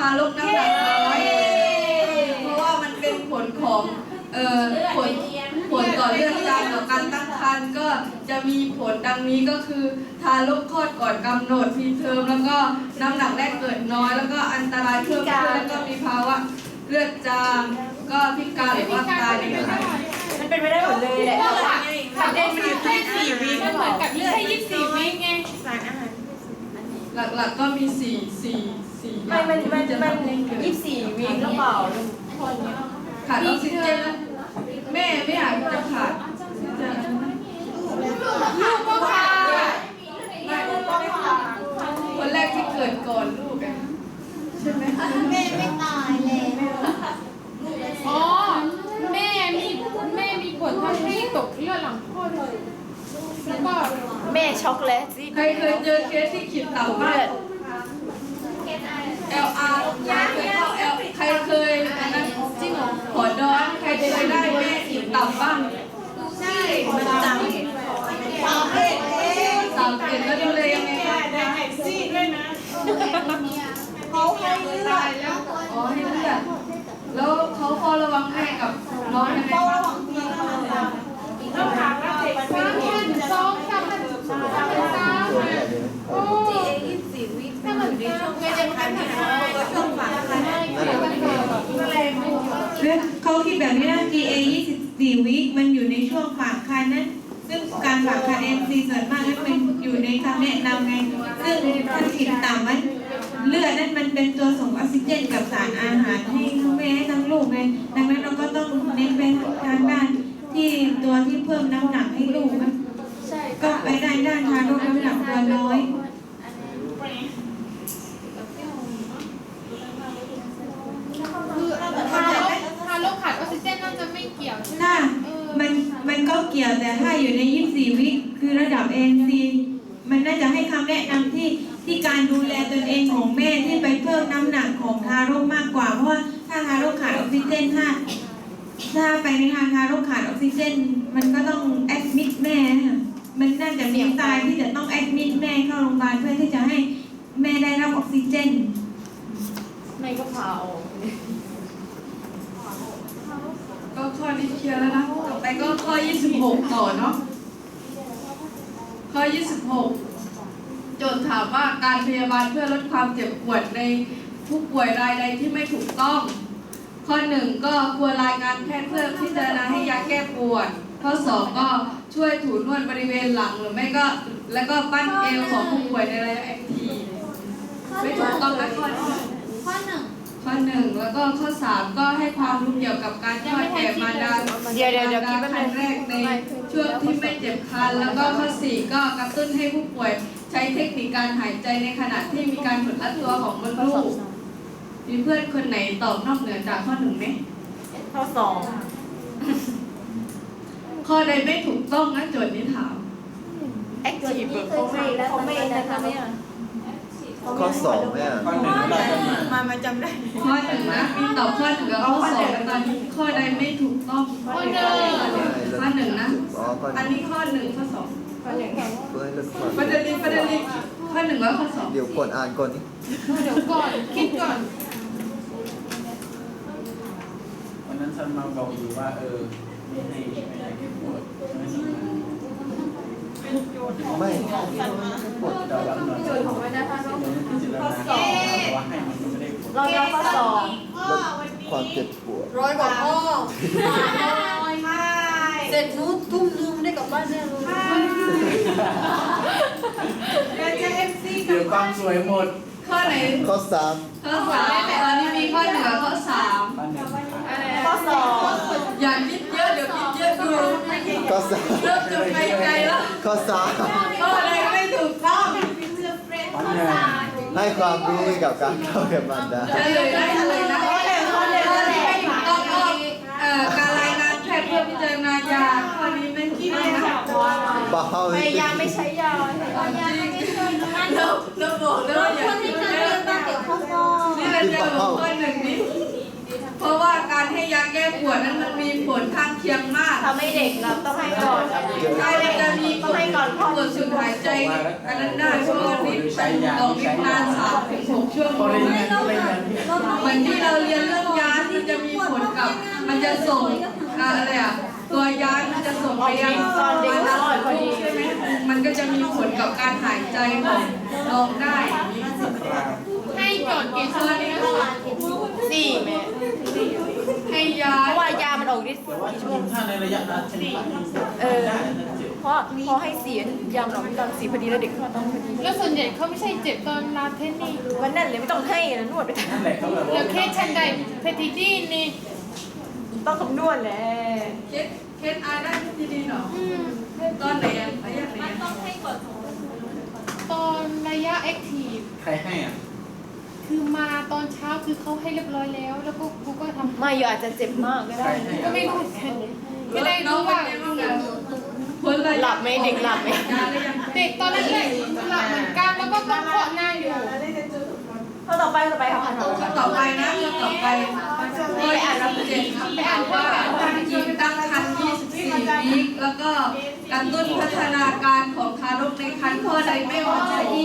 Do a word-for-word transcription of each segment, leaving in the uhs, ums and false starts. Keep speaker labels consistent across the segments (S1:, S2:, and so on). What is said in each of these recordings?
S1: ารกน้ำหนักน้อยเพราะว่ามันเป็นผลของเอ่อผลผลต่อเรื่องการต่อการตั้งครรภ์ก็จะมีผลดังนี้ก็คือทารกคลอดก่อนกำหนดพรีเทอมแล้วก็น้ำหนักแรกเกิดน้อยแล้วก็อันตรายเพิ่มขึ้นแล้วก็มีภาวะเลือดจางก็พิการหรือว่าตายในขณะ
S2: มันเป็นไปได้หมดเลยแหละขับเองมันอยู่ที่สี่วิ
S3: มันเหมือนกับยี่สิบยี่สิบวิไง
S2: สารอาหาร
S1: หลักๆก็มีสี่สี่สี่อ
S2: ไม่
S1: ย่าง
S2: มันมัน
S1: ที่จะ
S2: มัน
S1: ทำให้เกิด
S2: ยี่สิบสี่วิหรือเปล่า
S1: ขาดออกซิเจนนะแม่ไม่อยากจะขาดออกซิเจน
S3: ลูกก็พา
S1: ไม่คนแรกที่เกิดก่อนลูกอะใช่ไหม
S4: แม่ไม่ตายเลย
S3: อ๋อแม่มีแม่มีผลทำให้ตกเลือดหลังคลอดเลยแล้วก็
S2: แม่ช็อกแล้วสิ
S1: ใครเคยเจอเคสที่ขีดต่ำมาก L R ยาเคยเข้า L ใครเคยอันนั้นจริงเหรอขอดอนใครเคยได้แม่ขีดต่ำบ้างใช่
S2: มันจ
S4: ตายเลย
S1: สามเกตแล้วดูเลยยังไงคะ
S4: เขาให้เลือด
S1: อ๋อให้เลือดแล้วเขาเฝ้าระวังแม่กับน้องยังไง
S4: เฝ้า
S1: บ้า
S4: ระ
S1: ง
S4: วังพี่เขา
S3: ต้องถามว่าเด็กสามพันสองสามพันสามพันสามโอ้
S2: ยี่สิบสี่วิ
S3: ถ้ามันอยู่ในช่วงไม่ได้พันนะช่วงฝังคันก็เลยไม่อยู่
S5: เขาคิดแบบนี้นะ จี เอ ยี่สิบสี่ วิมันอยู่ในช่วงฝากคันนั้นซึ่งการฝากคัน เอ็ม ซี ส่วนมากนั้นมันอยู่ในคำแนะนำไงซึ่งถ้าขีดต่ำไว้เลือดนั้นมันเป็นตัวส่งออกซิเจนกับสารอาหารให้ทั้งแม่ให้ทั้งลูกไงดังนั้นเราก็ต้องเน้นไปทางด้านที่ตัวที่เพิ่มน้ำหนักให้ลูกนะก็ไปได้ด้านทารกน้ำหนักตัวน้อย
S3: คือทารกทารกขาดออกซิเจนน่าจะไม่เกี่ยวใช่ไหม
S5: ถ้ามันมันก็เกี่ยวแต่ถ้าอยู่ในยี่สิบสี่วิคือระดับ เอ็น ซี มันน่าจะให้คำแนะนำที่ที่การดูแลตนเองของแม่ที่ไปเพิ่มน้ำหนักของทารกมากกว่าเพราะว่าถ้าทารกขาดออกซิเจนถ้าถ้าไปในทางทารกขาดออกซิเจนมันก็ต้องแอดมิดแม่ค่ะมันน่าจะมีตายที่จะต้องแอดมิดแม่เข้าโรงพยาบาลเพื่อที่จะให้แม่ได้รับออกซิเจน
S2: ไม่ก็พาออก
S1: ก็ข้อนี้เคลียร์แล้วนะต่อไปก็ข้อยี่สิบหกต่อเนาะข้อยี่สิบหกโจทย์ถามว่าการพยาบาลเพื่อลดความเจ็บปวดในผู้ป่วยรายใดที่ไม่ถูกต้อง ข้อหนึ่งก็ควรรายงานแพทย์เพื่อพิจารณาให้ยาแก้ปวด ข้อสองก็ช่วยถูนวดบริเวณหลังหรือไม่ก็แล้วก็ปั้นเอวของผู้ป่วยในระยะแอคทีฟไม่ถูกต้องนะข้อนี้
S4: ข้อหนึ่ง
S1: ข้อหนึ่งแล้วก็ข้อสามก็ให้ความรู้เกี่ยวกับการทอดแก่มารดา
S2: เดี๋ยวเดี๋ยวเดี๋ยวคิด
S1: มาร
S2: ว่า
S1: ดาครั้งแรกในช่วงที่ไม่เจ็บคันแล้วก็ข้อสี่ก็กระตุ้นให้ผู้ป่วยใช้เทคนิคการหายใจในขณะที่มีการหดรัดตัวของมดลูกมีเพื่อนคนไหนตอบนอกเหนือจากข้อหนึ่งไหม
S2: ข้อสอง
S1: ข้อใดไม่ถูกต้องนะโจทย์นี้ถาม
S2: แอคทีฟเขาไม่เขาไม่นะคะเนี่ย
S6: ข้อสองเนี่ย
S2: มามาจำได้
S1: ข้อหนึ่งนะมีตอบข้อหนึ่งกับข้อสองแล้วตอนนี้ข้อใดไม่ถูกต้อง
S3: ข้อหนึ่ง
S1: ข้อหนึ่งนะ
S6: อ๋อข้อห
S1: อัน
S6: นึ่ง
S1: นี้ข้อหนึ่งข้อสอง
S6: เพื่อให้ลดความ
S1: ประเด็นนี้ประเด็นนี้ข้อหนึ่งแล้วข้อสอง
S6: เดี๋ยวกดอ่านก่อนนี่
S3: เดี๋ยวก่อนคิดก่อน
S7: วันนั้นฉันมาบอกอยู่ว่าเออไม่ให้ไม่ให้ปวดไม่สำคัญ
S6: ไม่ปวด
S7: เดาวันหน่อยจุดของวันนั้นท่านต้องพิจารณาว่าให้มันไม่ได้ปวด
S2: เราเรียนข้อสอง
S6: ลดความเจ็บปวด
S4: ร้อยกว่าข้อเสร็จนู้นทุ่มนึงได้กลับบ้านแน่เลย
S7: เดี๋ยวความสวยหมด
S1: ข้อไหน
S6: ข้อสาม
S1: ข้อสามตอนนี้มีข้อหนึ่งกับข้อสาม
S7: บ้านหนึ่ง
S2: ข้อสอง
S1: อย่าคิดเยอะเดี๋ยวคิดเยอะดู
S6: ข้อสาม
S1: เริ่มจะไปไกลแล้ว
S6: ข้อสาม
S1: ข้ออะไรไม่ถูกต้อง
S7: บ้านหนึ่ง
S6: ให้ความรู้เกี่ยวกับการเข้าแก่มารดา
S1: เฉลยได้เลยนะข้อหนึ่งข้อหนึ่งข้อที่ไม่ถูกต้องก็เอ่อการรายงานแพทย์เพื่อพิจารณายาข้อนี้ไม่ถูกต้องนะ
S6: เบา
S2: พยายามไม่ใช้ยา
S1: เราเราบอกแล้วว่าอย่า
S4: คน
S1: คิ
S4: ที่
S1: ด
S4: เคย
S1: เย
S4: เรีย
S1: อะ
S4: นมาเก็บข้อสอบ
S1: นี่เป็นเรื่องของข้อหนึ่งนี้เพราะว่าการให้ยาแก้ปวดนั้นมันมีผลข้างเคียงมาก
S2: ทำให้เด็กเราต้องให้ก่อน
S1: ใช่มันจะมี
S2: ต้องให้ก่อนพ่อ
S1: ปวดสุดหายใจอันนั้นได้ช่วงนี้ออกฤทธิ์นานสามถึงหกชั่วโม
S7: พอง เรียน
S1: เห
S7: เรียนเรียนที่
S1: มือนที่เราเรียนเรื่องยาที่จะมีผลกับ มันจะส่งอ่าอะไรอ่ะตัวยามันจะส่งไปยัง
S2: ตอนเด็กอร่อยพอดี
S1: ใช่ไหมมันก็จะมีผลกับการหายใจของน้องได้
S3: ให้จดกี่ชั่วโมงนะ
S2: สี่แม่
S1: ให้ยา
S2: เพราะว่ายามันออกฤทธิ์
S7: แต่ว่าจริงๆถ้าในระยะนั้นชนิด
S2: เออเพราะพอให้เสียยามันออกฤทธิ์ตอนสี่พอดีแล้วเด็กเขาต้องพอดี
S3: แล้วส่วนใหญ่เขาไม่ใช่เจ็บตอนลาเทนนี่
S2: วันนั้นเลยไม่ต้องให้นะนวดไปท
S7: นั่นแหละเขาแบบ
S3: แล้
S7: ว่า
S3: วเคสชันใดเพทิจีนนี่
S2: ำต้องคำนวณแหละ
S1: เคสเคสอาได้ที่ดีเนาะตอนไหนอ่ะระยะไหนอ่ะ
S3: ตอนระยะแอคทีฟ
S7: ใครให้อ่ะ
S3: คือมาตอนเช้าคือเขาให้เรียบร้อยแล้ว แล้วก็กูก็ทำ
S2: ไม่อยู่อาจจะเจ็บมากก็
S7: ใคร
S2: ได้
S7: ให้
S3: ก็
S7: อ่ะ
S3: ไม่รู้เหมือนกันไม่ได้รู้ว่า
S1: ผลระยะ
S2: หลับไหมเด็กหลับไหม
S1: ยาหรือยัง
S3: เด็กตอนแรกๆหลับเหมือนกันแล้วก็ต้องเคาะหน้าอยู่
S2: ข้อต่อไปต่อไปค่ะ
S1: ข้อต่อไปนะข้อต่อไปข้ออ่านเจ็ดไปอ่านว่าหญิงตั้งครรภ์ยี่สิบสี่วีคแล้วก็กระตุ้นพัฒนาการของทารกในครรภ์ข้อใดไม่เหมาะสม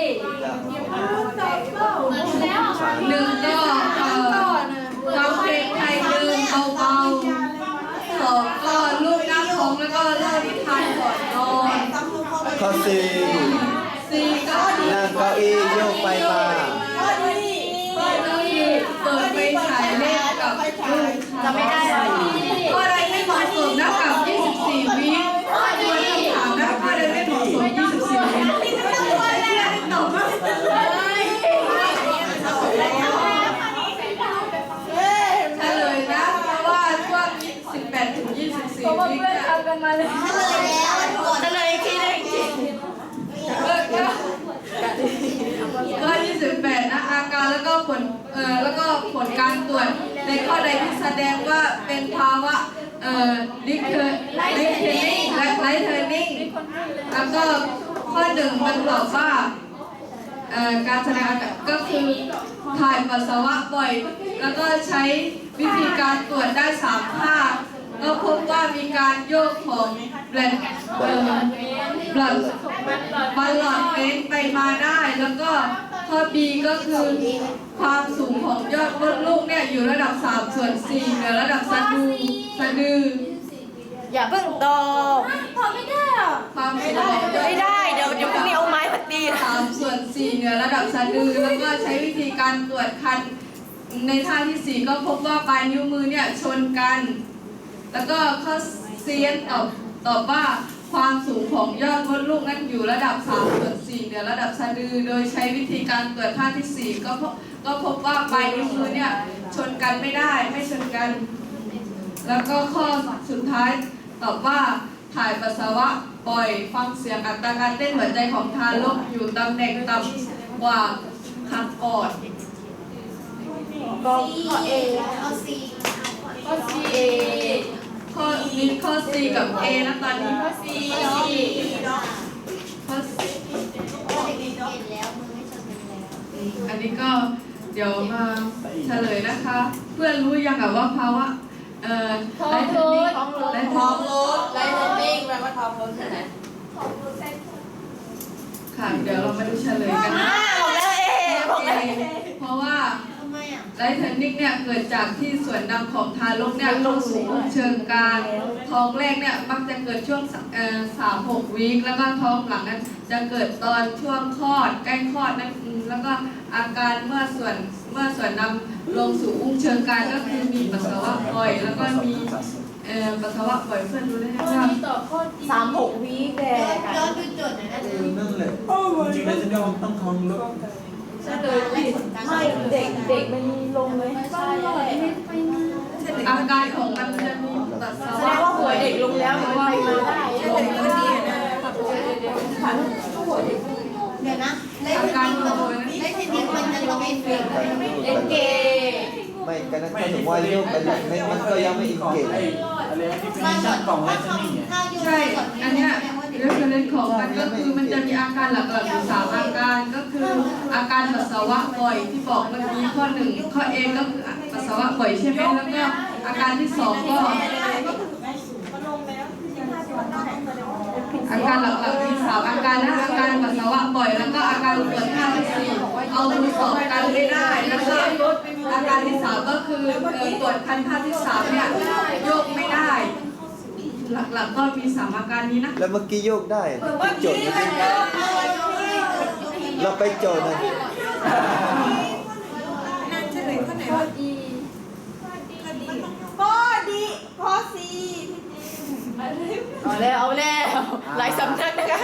S1: หนึ่งก็เอ่อฟังเพลงไทยเดิมเบาๆสองก็ลูกหน้าท้องแล้วก็เล่านิทานก่อนนอน
S6: ข้อสี่
S1: สี่ก็
S6: นั่งเก้าอี้โยกไปมา
S1: ก็คือเปิดไฟฉายเล่นกับลูก
S2: จะไม่ได้เลย
S1: ข้อใดไม่เหมาะสมนะกับยี่สิบสี่วิข้อควรถามนะข้อใดไม่เหมาะสมยี่สิบสี่วิตอบว่าเฉลยนะเพราะว่าช่วงสิบแปดถึงยี่สิบสี่วิเนี่ย
S2: เฉลยอีกทีได้อีกที
S1: ก็ก็ข้อยี่สิบแปดนะอาการแล้วก็ผลเอ่อแล้วก็ผลการตรวจในข้อใดที่แสดงว่าเป็นภาวะเอ่อลิเทอร์ลิเทอร์นิ่งและไลท์เทอร์นิ่งแล้วก็ข้อหนึ่งมันบอกว่าเอ่อการแสดงอาการก็คือถ่ายปัสสาวะบ่อย แล้วก็ใช้วิธีการตรวจได้สามท่าก็พบว่ามีการโยกของแบลดเอ่อบลัดบอลลอดเฟ้นไปมาได้ แล้วก็ข้อ B ก็คือความสูงของยอดมดลูกเนี่ยอยู่ระดับสามส่วนสี่เหนือระดับสะดือสะดือ
S2: อย่าเพิ่งตอบ
S1: ความสูงของยอด
S2: ไม่ได้เดี๋ยวเดี๋ยวพรุ่งนี้เอาไม้มาตี
S1: สามส่วนสี่เหนือระดับสะดือแล้วก็ใช้วิธีการตรวจคันในท่าที่สี่ก็พบว่าปลายนิ้วมือเนี่ยชนกัน แล้วก็ข้อเซียนตอบตอบว่าความสูงของยอดมดลูกนั้นอยู่ระดับสามส่วนสี่เหนือระดับสะดือ โดยใช้วิธีการตรวจท่าที่สี่ก็พบก็พบว่าปลายนิ้วมือเนี่ยชนกันไม่ได้ไม่ชนกัน แล้วก็ข้อสุดท้ายตอบว่าถ่ายปัสสาวะบ่อยฟังเสียงอัตราการเต้นหัวใจของทารกอยู่ตำแหน่งต่ำกว่าหักก่อน
S2: ก็ข้อเอ
S3: ข้อ C
S1: ข้อมีข้อ C กับ A นะตอนนี้ข้อ C ข้อ C อันนี้ก็เดี๋ยวมาเฉลยนะคะ เพื่อนรู้ยังอะว่าภาวะเอ่อไลท์เทอร์นิ่งไลท์เทอร์นิ่ง
S2: ไลท์เทอร์นิ่งแปลว่าท้องรถใช่ไหม
S1: ค่ะเดี๋ยวเรามาดูเฉลยกันนะ
S2: บอกแล้วเอบอกแล้ว
S1: เพราะว่าไลท์เทอร์นิ่งเนี่ยเกิดจากที่ส่วนนำของทารกเนี่ยเข้าสู่เชิงกรานท้องแรกเนี่ยมักจะเกิดช่วงเอ่อสามหกวีคแล้วก็ท้องหลังนั้นจะเกิดตอนช่วงคลอดใกล้คลอดนั่นเองแล้วก็อาการเมื่อส่วนเมื่อส่วนนำลงสู่อุ้งเชิงกรานก็คือมีปัสสาวะบ่อยแล้วก็มีเอ่อปัสสาวะบ่อยเพื่อนรู้ได้ไหมว่า
S2: สามหกวีคแก
S4: ย้อนดูจดนะ
S7: เออนั่นแหละจริงๆแล้วจะต้องต้องท้องรถ
S2: ไม่เด็กเด็กมันมีลงเลย
S1: อาการของมันจะมีปัสสา
S2: แสด
S1: วะ
S2: งว่าหัวเด็กลงแล้วมันไปมาได้
S4: เดี๋ยวนะเล่น
S1: อา
S4: เท
S1: การ
S4: น
S1: ของ
S4: นิส
S1: มัน
S4: เล่นเทนนิสมันจะต้องเป็นเฟก
S2: เอ็นเก
S6: ไม่ก็นั่นก็ถึงว่าโยกไปแบบนี้มันก็ยังไม่อินเกต
S7: ไอ้อะไรที่เป็นชั้นกล่องแรกนี่เนี่ย
S4: ถ้าอยู่
S1: ใช่ อันเนี้ยเรื่องเล่นของมันก็คือมันจะมีอาการหลักๆอยู่สามอาการก็คืออาการปัสสาวะบ่อยที่บอกเมื่อกี้ข้อหนึ่งข้อเอก็คือปัสสาวะบ่อยใช่ไหมแล้วก็อาการที่สองก็อาการหลักๆมีสามอาการนะอาการปัสสาวะบ่อยแล้วก็อาการปวดท่าที่สี่เอามือสอบกันไม่ได้แล้วก็อาการที่สามก็คือเอ่อตรวจคันท่าที่สามเนี่ยโยกไม่ได้ หลักๆก็มีสามอาการนี้นะ
S6: แล้วเมื่อกี้โยกได้โจทย์เมื่อกี้เราไปโจทย์หน่อย
S5: นั่นเฉลยข้อไหนวะข้อดีข้อสี
S2: เอาแล้วเอาแล้วหลายสำนักนะคะ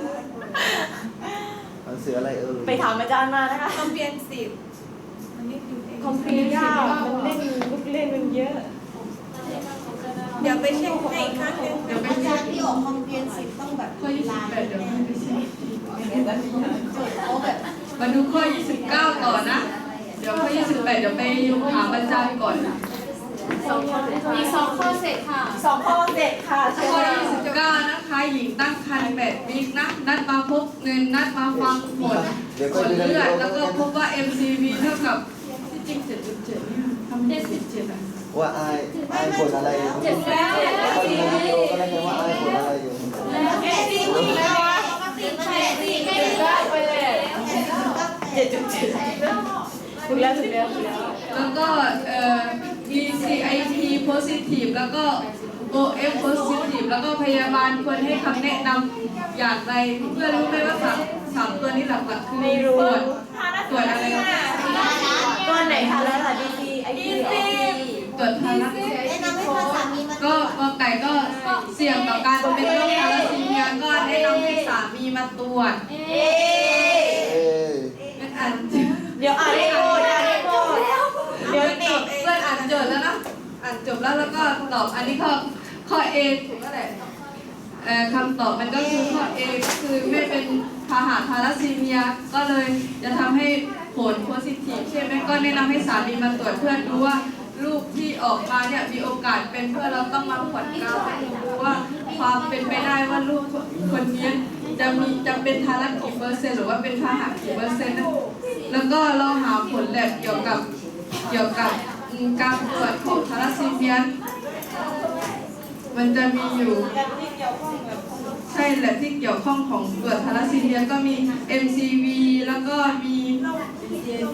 S6: หนังสืออะไรเอ่ย
S2: ไปถามอาจารย์มานะคะ
S5: คอมเพียนสิบอันนี้คือ
S2: คอมพิวเตอร์มันเล่นลูกเล่นมันเยอะ
S5: เดี๋ยวไปเช็คให้อีกครั้งหนึง
S1: เดี๋ยวไป
S4: อา
S1: เช็
S4: จาร
S1: ค
S4: ย์ที่ออกคอมเพียนสิบต้องแบบ
S1: ข้อยี่สิบแปดเดี๋ยวให้ไปเช็ค
S4: โจทย์เขาแบบ
S1: มาดูข้อยี่สิบเก้าต่อนะ เดี๋ยวข้อยี่สิบแปดเดี๋ยวไปถามอาจารย์ก่อน
S3: มีสองข้อเสร็จค่ะ
S2: สองข้อเสร็จค่ะเชิญ
S1: ข้อ
S2: ค่ะ
S1: ยี่สิบเก้านะคะ หญิงตั้งครรภ์แปดวีคนะ นัดมาพบเงินนัดมาฟังผล
S6: เดี๋ยว
S1: ผ
S6: ก็
S1: ล
S6: ดู
S1: เลือด
S6: แล้
S1: แล้วก็พบว่า เอ็ม ซี วี เท่ากับที่จริง เจ็ดจุดเจ็ด เนี่ยทำได้สิบเจ็ดอ่ะ
S6: ว่าอายอายผลอะไรอยู่
S3: เจ็ดแล้ว
S6: ก็ดูวิดีโอก็ได้ไงว่าอายผลอะไรอยู่
S4: เอ็ดสิบแล้ววะสิบแปดสิบไม่ได้
S2: ไปเลย
S4: เจ็ดจุดเจ็ด
S2: ถูกแล้วถูกแล้วถูกแล้ว
S1: แล้วก็เอ่อ บี ซี ไอ ที positive แล้วก็ โอ เอฟ positive แล้วก็พยาบาลควรให้คำแนะนำอย่างไรเพื่อรู้ไหมว่าสามสามตัวนี้หลักๆคือ
S2: ไม่รู้
S1: ตรวจตรวจอะไรนะ
S2: ตัวไหนคะแล้วล่ะดีดีไอดีไอดี
S1: ตรวจทารัส
S4: แนะนำให้พาสามีมา
S1: ก็กอไก่ก็เสี่ยงต่อการเป็นโรคทารัสซีเมียก็แนะนำให้สามีมาตรวจ
S2: เอ๊ะ
S6: เอ้ย
S1: เพื่อนอ่าน
S2: เดี๋ยวอ่านให้โกรธอ่านให้โกรธเดี๋ยวติด
S1: เพื่อนอ่านโจทย์แล้วนะอ่านจบแล้วแล้วก็ตอบอันนี้ข้อข้อ A ถูกก็แหละเอ่อคำตอบมันก็คือข้อ A ก็คือไม่เป็นพาหะทารัสซีเมียก็เลยจะทำให้ผลโพซิทีฟใช่ไหมก็แนะนำให้สามีมาตรวจเพื่อดูว่าลูกที่ออกมาเนี่ยมีโอกาสเป็นเพื่อเราต้องมาผ่อนกล้าวให้ดูว่าความเป็นไปได้ว่าลูกคนนี้จะมีจะเป็นทารัสกี่เปอร์เซ็นต์หรือว่าเป็นพาหะกี่เปอร์เซ็นต์นะแล้วก็เราหาผลแลบเกี่ยวกับเกี่ยวกับการตรวจของทารัสซีเมียมันจะมีอยู่ใช่แหละที่เกี่ยวข้องของตรวจทารัสซีเมียก็มี เอ็ม ซี วี แล้วก็มี
S3: ดีซี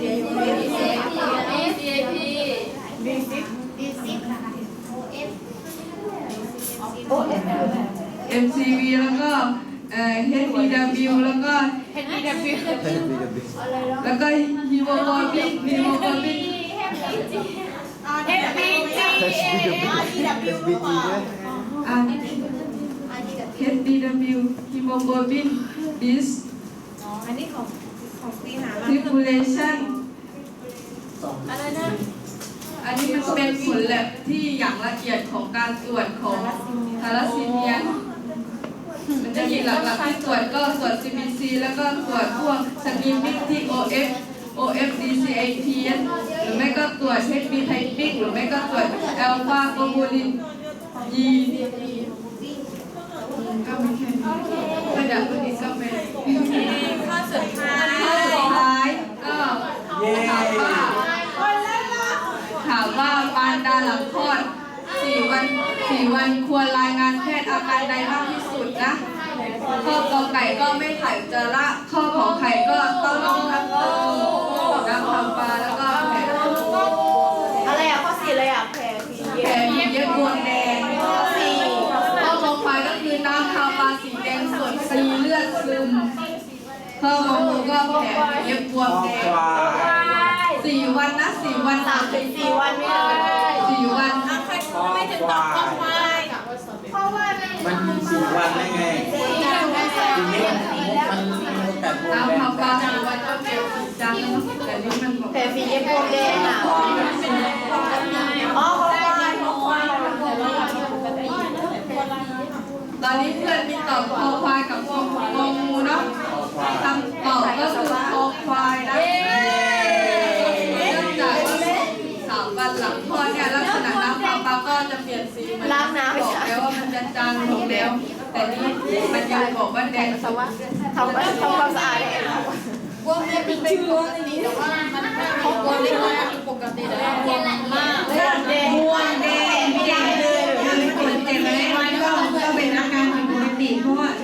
S2: ดีซิ
S4: ดีสิบโอเอฟ
S2: โอ้เอ็ม
S1: เอ็ม ซี วี แล้วก็เอ่อ เอช บี ดับเบิลยู แล้วก็
S3: เห็นดีดับบิว
S6: ให้ดูดู
S1: แล้วก็ฮีโมโกลบินฮีโมโกลบิน
S3: เอฟบีจี
S6: เอสบีจีด้วย
S1: อ่า
S4: อันนี้กับ
S1: เอช บี ดับเบิลยู ฮีโมโกลบิน dis
S5: อันนี้ของของปีหามา
S1: circulation
S3: อะไรนะ
S1: อันนี้มันเป็นผลแลบที่อย่างละเอียดของการตรวจของทารัสซีเมียมันจะมีหลักๆที่ตรวจก็ตรวจ ซี บี ซี แล้วก็ตรวจพวกสกีมิกที่ โอ เอฟ โอ เอฟ ดี ซี ไอ ที หรือไม่ก็ตรวจ เอช บี ไทปิกหรือไม่ก็ตรวจอัลฟาโกบูลินยีก็ไม่แค่นี้ก็เดี๋ยวพวกนี้ก็เป็น
S5: ข้อสุดท้าย
S1: ข้อสุดท้ายก็ถามว่าถามว่ามารดาหลังคลอดสี่วันสี่วันควรรายงานแพทย์อาการใดมากที่สุดนะข้อกอไก่ก็ไม่ถ่ายอุจจาระข้อขอไข่ก็ต้องน้ำน้ำต้มน้ำทำปลาแล้วก็แผล
S2: อะไรอ่ะข้อสี่อะไรอ่ะแผลผี
S1: แผล
S2: เย็บ
S1: เย็บบวมแดง
S2: ข้อสี่
S1: ข้อขอควายก็คือน้ำทำปลาสีแดงสดสีเลือดซึมข้ององูก็แผลเย็บบวมแดง
S7: ควาย
S1: สี่วันนะสี่วัน
S2: สามถึงสี่วันไม่ได้
S1: สี่วัน
S5: ใครไม่ถึงตอบข้อควาย
S7: มันมีสี่วันได้ไงทีนี้มันมีโอกาสบวม
S1: น้ำ
S7: แดง
S1: ทำปลาสี่วันก็เก็บจังแต่นี่มันบอก
S2: แผลฝีเย็บบวมแดงอ่ะอ๋อข้อควายข้อควาย
S1: ตอนนี้เพื่อนมีตอบคอควายกับคององูเนาะคำตอบก็คือคอควายนะเนื่องจากว่าสามวันหลังคลอดเนี่ยลักษณะน้ำทำปลาก็จะเปลี่ยนสีมัน
S2: ล้างน้ำ
S1: บอกแล้วว่ามันจะจางลงแล้ว แต่นี่มันยังบอกว่าแดงสวะ
S2: ทำทำความสะอาดเลย
S3: บวมเนี่ยเป็นชื่อนี้แต่ว่ามันเขาบวมเล็กน้อยปกติแต่ว่าบวมมาก
S2: แดงบวมแดงแดงเลย
S5: ถ้าไม่ผลเจ็บอะไรมันก็ก็เป็นอาการผิดปกเพราะว่า